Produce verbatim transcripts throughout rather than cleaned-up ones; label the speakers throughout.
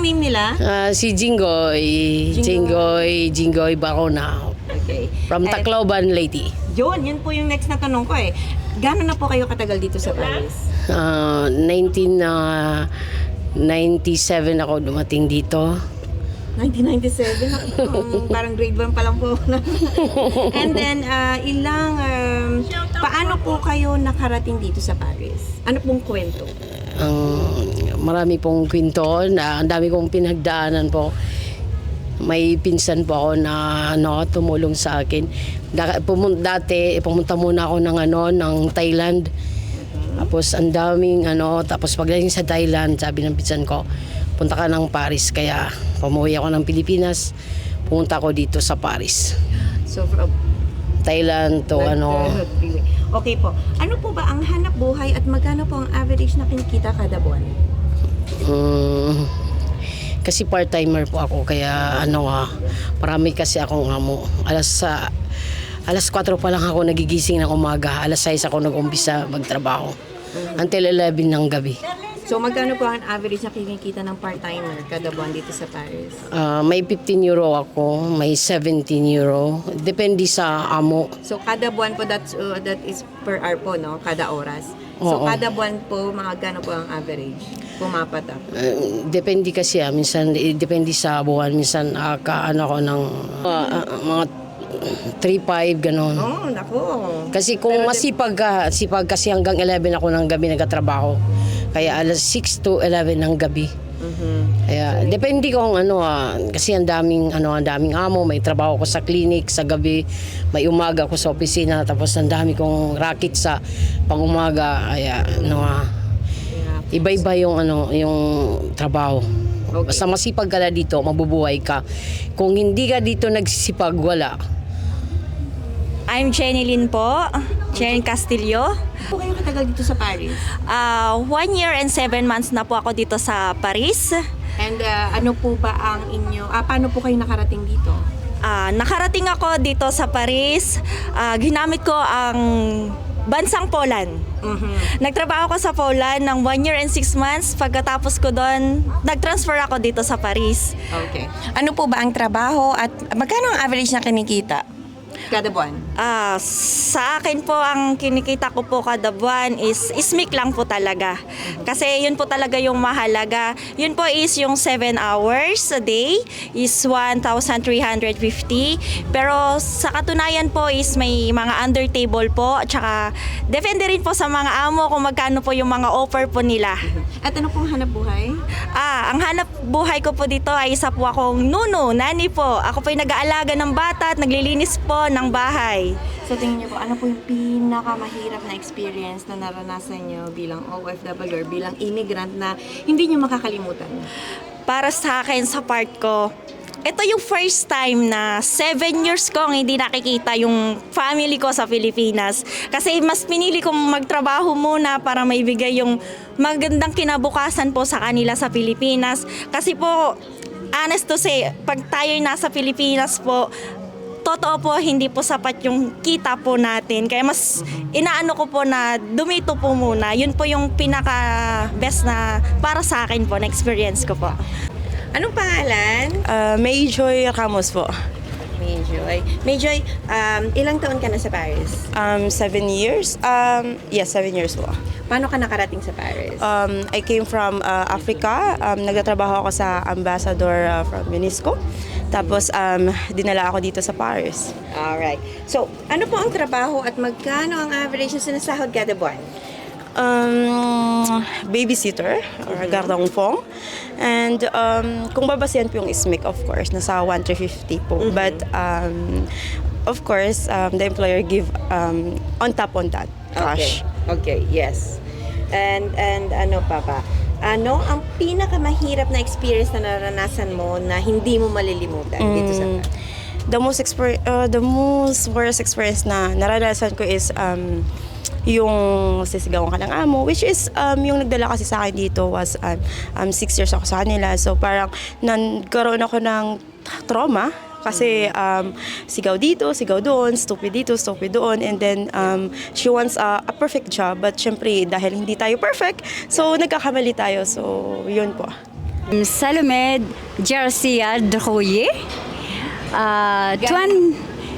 Speaker 1: ang name nila?
Speaker 2: Ah, si Jinggoy. Jinggoy, Jinggoy Barona.
Speaker 1: Okay.
Speaker 2: From
Speaker 1: Eh,
Speaker 2: Tacloban, Leyte.
Speaker 1: Yun, yun po yung next na tanong ko eh. Gano'n na po kayo katagal dito sa Paris?
Speaker 2: Ah, nineteen ninety-seven ako dumating dito.
Speaker 1: nineteen ninety-seven, um, parang grade one pa lang po. And then, ah, ilang, um, paano po kayo nakarating dito sa Paris? Ano pong kwento?
Speaker 2: Ang marami pong kwento na ang dami kong pinagdaanan po. May pinsan po ako na ano, tumulong sa akin. Da, pumun, dati pumunta muna ako ng ano ng Thailand. Tapos ang daming ano, tapos pagdating sa Thailand, sabi ng pinsan ko, punta ka ng Paris. Kaya pumuwi ako ng Pilipinas, pumunta ako dito sa Paris.
Speaker 1: So, from
Speaker 2: Thailand to ano.
Speaker 1: Okay po. Ano po ba ang hanap buhay at magkano po ang average na kinikita kada buwan?
Speaker 2: Um, kasi part-timer po ako, kaya ano nga, marami kasi akong amo. Alas sa alas kwatro pa lang ako nagigising ng umaga, alas sais ako nag-umpisa magtrabaho. Until eleven ng gabi.
Speaker 1: So, magkano po ang average na kinikita ng part-timer kada buwan dito sa Paris?
Speaker 2: Ah, may fifteen euro ako, may seventeen euro. Depende sa amo.
Speaker 1: So, kada buwan po, that's, uh, that is per hour po, no? Kada oras. So,
Speaker 2: Oo.
Speaker 1: kada buwan po, mga gano po ang average? Pumapatak.
Speaker 2: Uh, depende kasi ah, minsan eh, depende sa buwan, minsan uh, kaano ko ng ah, ah, mga three five ganon.
Speaker 1: Oh, nako.
Speaker 2: Kasi kung masipag ka, sipag kasi hanggang eleven ako ng gabi nagtatrabaho. Kaya alas six to eleven ng gabi.
Speaker 1: Mhm.
Speaker 2: Kaya depende kung ano ah, kasi ang daming ano, ang daming amo, may trabaho ko sa clinic sa gabi, may umaga ako sa opisina, tapos ang dami kong racket sa pang-umaga. Kaya ano ah,
Speaker 1: Yeah.
Speaker 2: iba-iba yung ano, yung trabaho.
Speaker 1: Okay.
Speaker 2: Basta masipag ka na dito, mabubuhay ka. Kung hindi ka dito nagsisipag, wala.
Speaker 3: I'm Jenny Lynn po, Jenny Castillo.
Speaker 1: Po kayo katagal dito sa Paris?
Speaker 3: Uh, one year and seven months na po ako dito sa Paris.
Speaker 1: And uh, ano po ba ang inyo, ah, paano po kayo nakarating dito?
Speaker 3: Uh, nakarating ako dito sa Paris. Uh, ginamit ko ang bansang Poland.
Speaker 1: Mhm.
Speaker 3: Nagtrabaho ko sa Poland ng one year and six months. Pagkatapos ko doon, nag-transfer ako dito sa Paris.
Speaker 1: Okay.
Speaker 4: Ano po ba ang trabaho at magkano ang average na kinikita?
Speaker 1: Kada buwan?
Speaker 3: Ah, sa akin po ang kinikita ko po kada buwan is ismik lang po talaga. Kasi yun po talaga yung mahalaga. Yun po is yung seven hours a day is one thousand three hundred fifty. Pero sa katunayan po is may mga under table po. Tsaka depende rin po sa mga amo kung magkano po yung mga offer po nila.
Speaker 1: At ano pong hanap buhay?
Speaker 3: Ah, ang hanap buhay ko po dito ay isa po akong nuno, nani po. Ako po ay nag-aalaga ng bata at naglilinis po ng bahay.
Speaker 1: Sa tingin niyo po, ano po yung pinakamahirap na experience na naranasan niyo bilang O F W or bilang immigrant na hindi niyo makakalimutan?
Speaker 3: Para sa akin, sa part ko, ito yung first time na seven years kong hindi nakikita yung family ko sa Pilipinas. Kasi mas pinili kong magtrabaho muna para maibigay yung magandang kinabukasan po sa kanila sa Pilipinas. Kasi po, honest to say, pag tayo'y nasa Pilipinas po, totoo po, hindi po sapat yung kita po natin. Kaya mas inaano ko po na dumito po muna. Yun po yung pinaka-best na para sa akin po, na experience ko po.
Speaker 1: Anong pangalan?
Speaker 4: Uh, Mayjoy Ramos po.
Speaker 1: Mayjoy. Mayjoy, um, ilang taon ka na sa Paris?
Speaker 4: Um, seven years? Um, yes, seven years po.
Speaker 1: Paano ka nakarating sa Paris?
Speaker 4: Um, I came from uh, Africa. Um, nagtatrabaho ako sa ambassador uh, from UNESCO. Tapos, um, dinala ako dito sa Paris.
Speaker 1: Alright. So, ano po ang trabaho at magkano ang average na sinasahod kada buwan?
Speaker 4: Um, babysitter or gardong fong. And um, kung babasihan po yung ismik, of course, nasa one thousand three hundred fifty po.
Speaker 1: Mhm.
Speaker 4: But um, of course, um, the employer give um, on top on that cash.
Speaker 1: Okay. Okay, yes. And and ano pa ba? Ano ang pinakamahirap na experience na naranasan mo na hindi mo malilimutan dito sa
Speaker 4: Mm, the most exper- uh, the most worst experience na naranasan ko is um, yung sisigawan ka ng amo, which is um, yung nagdala kasi sa akin dito was um, um, six years ako sa kanila. So parang nagkaroon ako ng trauma kasi um, sigaw dito, sigaw doon, stupid dito, stupid doon, and then um, she wants a, a perfect job, but syempre dahil hindi tayo perfect, so nagkakamali tayo, so yun po.
Speaker 5: Salome Garcia Droye. Uh, twen-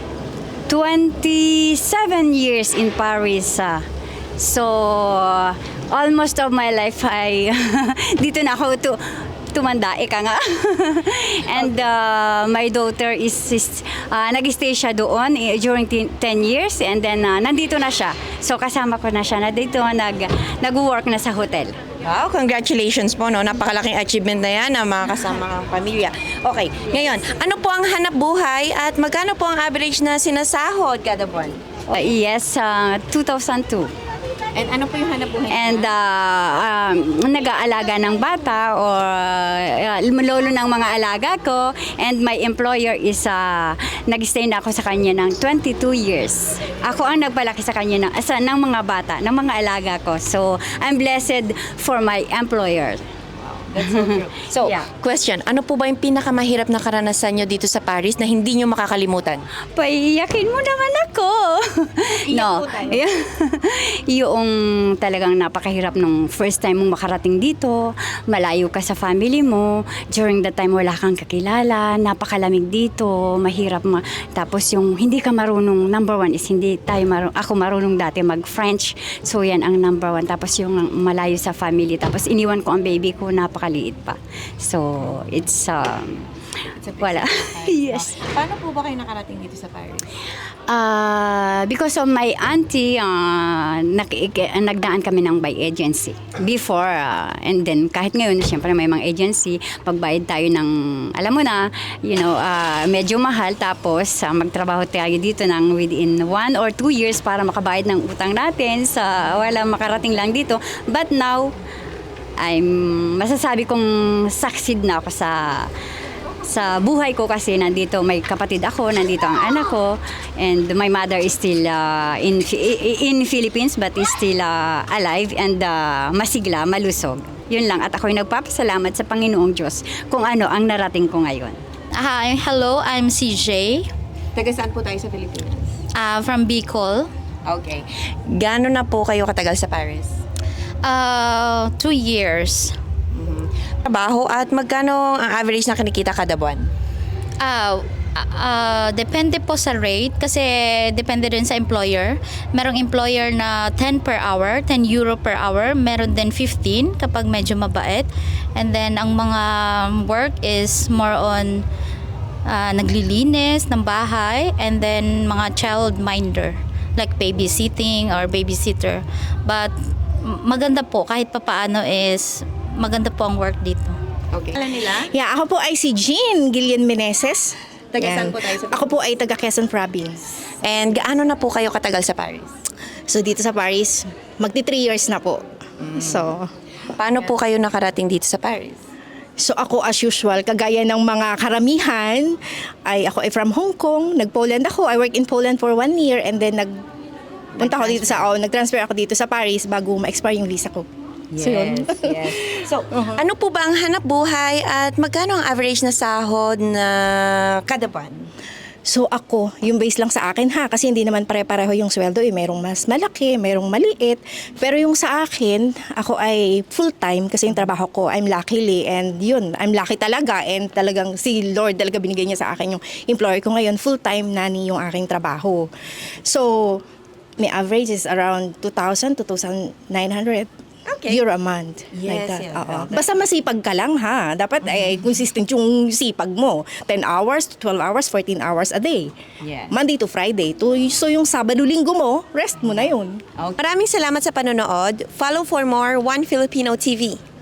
Speaker 5: twenty-seven years in Paris. ah. So, almost of my life ay dito na ako tu tumanda, ika nga. And uh, my daughter is, is uh, nag-stay siya doon eh, during ten years and then uh, nandito na siya. So, kasama ko na siya na dito, nag, nag-work na sa hotel.
Speaker 1: Wow, congratulations po, no? Napakalaking achievement na yan ng mga kasama ng pamilya. Okay, ngayon, ano po ang hanap buhay at magkano po ang average na sinasahod kada buwan?
Speaker 5: Uh, yes, uh, two thousand two.
Speaker 1: And ano po yung hanap buhay?
Speaker 5: And uh, um, nag-aalaga ng bata or uh, lolo ng mga alaga ko. And my employer is, uh, nag-stay na ako sa kanya ng twenty-two years. Ako ang nagpalaki sa kanya ng, sa, ng mga bata, ng mga alaga ko. So, I'm blessed for my employer.
Speaker 1: That's so true. So,
Speaker 5: Yeah.
Speaker 1: question, ano po ba yung pinakamahirap na karanasan nyo dito sa Paris na hindi nyo makakalimutan?
Speaker 5: Paiyakin mo naman ako.
Speaker 1: Iyak po tayo.
Speaker 5: Yung talagang napakahirap nung first time mong makarating dito, malayo ka sa family mo, during the time wala kang kakilala, napakalamig dito, mahirap ma- tapos yung hindi ka marunong, number one is hindi tayo marunong, ako marunong dati mag-French, so yan ang number one. Tapos yung malayo sa family, tapos iniwan ko ang baby ko, napakaliit pa. So, it's, um, wala. Yes.
Speaker 1: Paano po ba kayo nakarating dito sa Paris?
Speaker 5: Uh, because of my auntie, uh, naki- nagdaan kami ng by agency before. Uh, and then, kahit ngayon, siyempre may mga agency, pagbayad tayo ng, alam mo na, you know, uh, medyo mahal. Tapos, uh, magtrabaho tayo dito ng within one or two years para makabayad ng utang natin sa wala makarating lang dito. But now, I'm masasabi kong succeed na ako sa sa buhay ko kasi nandito may kapatid ako, nandito ang anak ko, and my mother is still uh, in in Philippines but is still uh, alive and uh, masigla, malusog. Yun lang, at ako'y nagpapasalamat sa Panginoong Diyos kung ano ang narating ko ngayon.
Speaker 6: Hi, hello, I'm C J
Speaker 1: Taga saan po tayo sa Pilipinas?
Speaker 6: uh, from Bicol.
Speaker 1: Okay. Gaano na po kayo katagal sa Paris?
Speaker 6: Uh, two years.
Speaker 1: Trabaho at magkano ang average na kinikita kada buwan?
Speaker 6: Uh, uh, depende po sa rate kasi depende rin sa employer. Merong employer na ten per hour, ten euro per hour. Meron din fifteen kapag medyo mabait. And then ang mga work is more on uh, naglilinis ng bahay and then mga child minder like babysitting or babysitter. But maganda po kahit papaano is maganda po ang work dito.
Speaker 1: Okay. Alam nila?
Speaker 7: Yeah, ako po ay si Jean Gillian Meneses.
Speaker 1: Taga
Speaker 7: Yan.
Speaker 1: saan po tayo sa
Speaker 7: Ako po ay taga Quezon Province.
Speaker 1: And gaano na po kayo katagal sa Paris?
Speaker 7: So dito sa Paris, magti three years na po. So,
Speaker 1: Paano po kayo nakarating dito sa Paris?
Speaker 7: so ako as usual, kagaya ng mga karamihan, ay ako ay from Hong Kong, nag-Poland ako. I work in Poland for one year and then nag punta ako dito sa, oh, nag-transfer ako dito sa Paris bago ma-expire yung visa ko. So, yun.
Speaker 1: yes. So, ano po ba ang hanap buhay at magkano ang average na sahod na kada buwan?
Speaker 7: So ako, yung base lang sa akin ha, kasi hindi naman pare-pareho yung sweldo eh. Merong mas malaki, merong maliit. Pero yung sa akin, ako ay full-time kasi yung trabaho ko, I'm luckily. And yun, I'm lucky talaga. And talagang si Lord talaga binigay niya sa akin yung employer ko ngayon. Full-time nani yung aking trabaho. So, may average is around two thousand to two thousand nine hundred.
Speaker 1: Okay.
Speaker 7: Euro a month.
Speaker 1: Yes,
Speaker 7: like that.
Speaker 1: yes.
Speaker 7: Oo. Basta masipag ka lang ha. Dapat ay consistent yung sipag mo. ten hours, twelve hours, fourteen hours a day.
Speaker 1: Yes.
Speaker 7: Monday to Friday. To, so yung Sabado, Linggo mo, rest mo na yun.
Speaker 1: Maraming salamat sa panonood. Follow for more One Filipino T V.